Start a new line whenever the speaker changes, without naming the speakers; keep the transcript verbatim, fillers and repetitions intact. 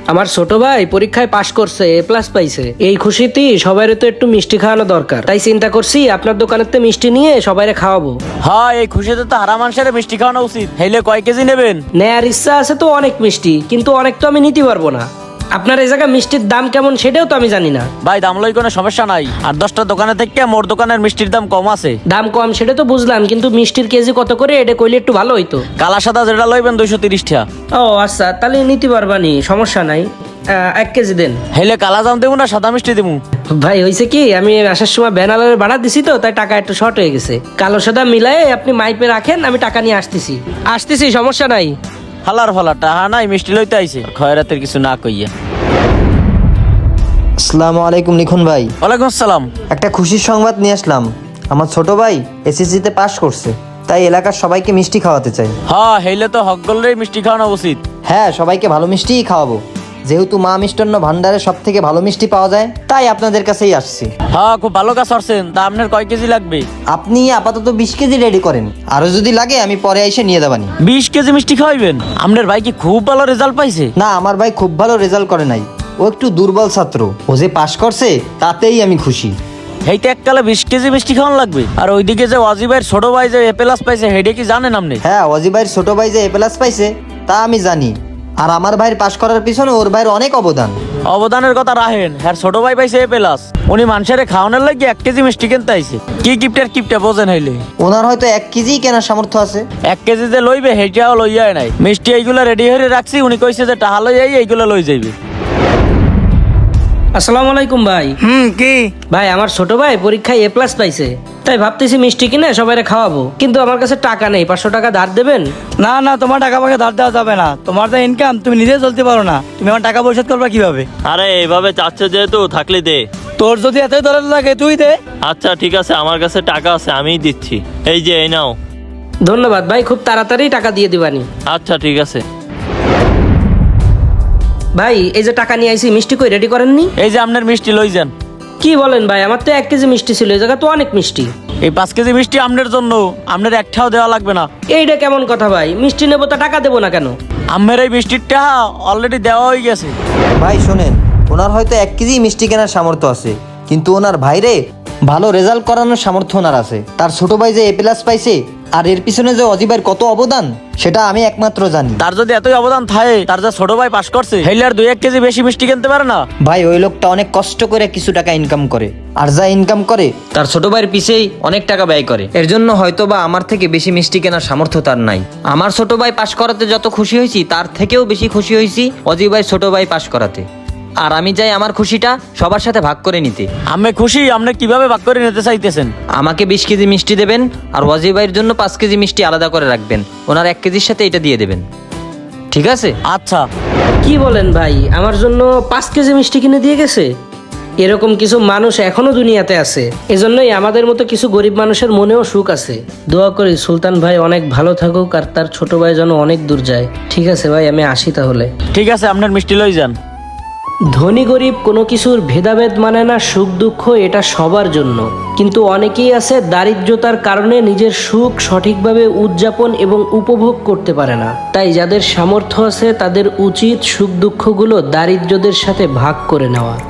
আমার ছোট ভাই পরীক্ষায় পাশ করছে, এ প্লাস পাইছে। এই খুশিতে সবাইরে তো একটু মিষ্টি খাওয়ানো দরকার, তাই চিন্তা করছি আপনার দোকানেতে মিষ্টি নিয়ে সবাইরে খাওয়াবো।
হ্যাঁ, এই খুশিতে তো হারা মানুষের মিষ্টি খাওয়ানো উচিত। হেলে কয় কেজি নেবেন?
নেয়ার ইচ্ছা আছে তো অনেক মিষ্টি, কিন্তু অনেক তো আমি নিতে পারবো না। আপনার এই জায়গায় মিষ্টির দাম কেমন সেটাও তো আমি জানি না।
ভাই, দাম লই কোনো সমস্যা নাই। আর দশটা দোকানে থেকে মোর দোকানের মিষ্টির দাম কম আছে।
দাম কম সেটা তো বুঝলাম, কিন্তু মিষ্টির কেজি কত করে এটা কইলে একটু ভালো হইতো।
কালা সাদা যেটা লইবেন দুইশো তিরিশ টাকা।
ও আচ্ছা, তাহলে নিতে পারবানি, সমস্যা নাই। আহ, এক কেজি দেন।
হেলে কালা জাম দেবো না সাদা মিষ্টি দেবো?
ভাই হয়েছে কি, আমি আসার সময় ব্যানারের ভাড়া দিছি তো, তাই টাকা একটু শর্ট হয়ে গেছে। কালো সাদা মিলাই আপনি মাইপে রাখেন, আমি টাকা নিয়ে আসতেছি আসতেছি সমস্যা নাই।
হালার ফালা টাহা নাই, মিষ্টি লইতে আইছে খয়রাতের কিছু না কইয়া।
আসসালামু আলাইকুম লিখন ভাই।
ওয়ালাইকুম আসসালাম।
একটা খুশির সংবাদ নিয়ে আসলাম। আমার ছোট ভাই এসএসসিতে পাশ করছে, তাই এলাকার সবাইকে মিষ্টি খাওয়াতে চাই।
হ্যাঁ, হেলে তো হক গলরেই মিষ্টি খাওয়ানো উচিত।
হ্যাঁ, সবাইকে ভালো মিষ্টিই খাওয়াবো। যেহেতু মা মিষ্টান্ন ভান্ডারে সব থেকে ভালো মিষ্টি পাওয়া যায়, তাই আপনাদের কাছেই আসছি।
হ্যাঁ, খুব ভালো কাজ করছেন। তা আপনার কয় কেজি লাগবে?
আপনি আপাতত বিশ কেজি রেডি করেন, আরো যদি লাগে আমি পরে এসে নিয়ে যাবানি।
বিশ কেজি মিষ্টি খাওয়াইবেন? আপনার ভাই কি খুব ভালো রেজাল্ট পাইছে?
না, আমার ভাই খুব ভালো রেজাল্ট করে নাই, ও একটু দুর্বল ছাত্র। ও যে পাশ করছে তাতেই আমি খুশি।
হেইতে এককালে বিশ কেজি মিষ্টি খাওয়ান লাগবে। আর ওইদিকে যে ওয়াজিবের ছোট ভাই যে এ প্লাস পাইছে, হেডে কি জানেন আপনি?
হ্যাঁ, অজি ভাইয়ের ছোট ভাই যে এ প্লাস পাইছে তা আমি জানি। আর আমার ভাইয়ের পাশ করার পিছনে ওর ভাইয়ের অনেক অবদান।
অবদানের কথা রাখেন, হ্যাঁ ছোট ভাই পাইছে এ প্লাস। উনি মানুষের খাওয়ানোর লাগে এক কেজি মিষ্টি কিনতে আইছে। কি গিফটের কিপটা বোঝেন হইলে?
ওনার হয়তো এক কেজি কেনার সামর্থ্য আছে।
এক কেজি যে লইবে হেইটাও লইয়াই নাই। মিষ্টি এইগুলা রেডি হয়ে রাখছি, উনি কইছে যে টাহা লই আই এইগুলা লই যাইবে।
আসসালামু আলাইকুম ভাই।
হুম কি
ভাই আমার ছোট ভাই পরীক্ষায় এ প্লাস পাইছে, তাই ভাবতেছি মিষ্টি কিনে সবাইরে খাওয়াবো, কিন্তু আমার কাছে টাকা নেই। পাঁচশো টাকা ধার দেবেন?
না না, তোমার টাকা পয়সা ধার দেওয়া যাবে না। তোমার যা ইনকাম তুমি নিজে চলতে পারো না, তুমি আমার টাকা পরিশোধ করবে কিভাবে?
আরে এইভাবে চাচ্ছে যেহেতু থাকলে দে।
তোর যদি এতই দরদ লাগে তুই দে।
আচ্ছা ঠিক আছে, আমার কাছে টাকা আছে, আমিই দিচ্ছি। এই যে এই নাও।
ধন্যবাদ ভাই, খুব তাড়াতাড়ি টাকা দিয়ে দিবানি।
আচ্ছা ঠিক আছে।
ভাই এই যে টাকা নিয়ে আইছি, মিষ্টি কই রেডি করেননি?
এই যে আপনার মিষ্টি লই যান।
কি বলেন ভাই, আমার তো এক কেজি মিষ্টি ছিল, এই জায়গা তো অনেক মিষ্টি।
এই পাঁচ কেজি মিষ্টি আপনার জন্য, আপনার একটাও দেওয়া লাগবে না।
এইটা কেমন কথা ভাই, মিষ্টি নেবো তা টাকা দেবো না কেন?
আমের এই মিষ্টির টাকা অলরেডি দেওয়া হয়ে গেছে।
ভাই শোনেন, ওনার হয়তো এক কেজি মিষ্টি কেনার সামর্থ্য আছে, কিন্তু ওনার ভাইরে ভালো রেজাল্ট করানোর সামর্থ্য ওনার আছে। তার ছোট ভাই যে এ প্লাস পাইছে, আর এর পিছনে যে অজিবের কত অবদান সেটা আমি একমাত্র জানি।
তার যদি এতই অবদান থাকে, তার যা ছোট ভাই পাস করছে, হেলে আর দুই এক কেজি বেশি মিষ্টি কিনতে পারে না?
ভাই ওই লোকটা অনেক কষ্ট করে কিছু টাকা ইনকাম করে, আর যা ইনকাম করে তার ছোট ভাইয়ের পিছেই অনেক টাকা ব্যয় করে। এর জন্য হয়তো বা আমার থেকে বেশি মিষ্টি কেনার সামর্থ্য তার নাই। আমার ছোট ভাই পাশ করাতে যত খুশি হয়েছি, তার থেকেও বেশি খুশি হয়েছি অজি ভাই ছোট ভাই পাশ করাতে। আর আমি চাই আমার খুশিটা সবার সাথে ভাগ করে নিতে।
আমি খুশি। আপনি কিভাবে ভাগ করে নিতে চাইতেছেন?
আমাকে বিশ কেজি মিষ্টি দেবেন, আর ওয়াজি ভাইয়ের জন্য পাঁচ কেজি মিষ্টি আলাদা করে রাখবেন। ওনার এক কেজির সাথে এটা দিয়ে দেবেন, ঠিক আছে?
আচ্ছা।
কি বলেন ভাই, আমার জন্য পাঁচ কেজি মিষ্টি কিনে দিয়ে গেছে? এরকম কিছু মানুষ এখনো দুনিয়াতে আছে, এজন্যই আমাদের মতো কিছু গরিব মানুষের মনেও সুখ আছে। দোয়া করি সুলতান ভাই অনেক ভালো থাকুক, আর তার ছোট ভাই যেন অনেক দূর যায়। ঠিক আছে ভাই, আমি আসি তাহলে।
ঠিক আছে, আপনার মিষ্টি লই যান।
ধনী গরিব কোনো কিছুর ভেদাভেদ মানে না, সুখ দুঃখ এটা সবার জন্য। কিন্তু অনেকেই আছে দারিদ্রতার কারণে নিজের সুখ সঠিকভাবে উদযাপন এবং উপভোগ করতে পারে না। তাই যাদের সামর্থ্য আছে তাদের উচিত সুখ দুঃখগুলো দারিদ্রদের সাথে ভাগ করে নেওয়া।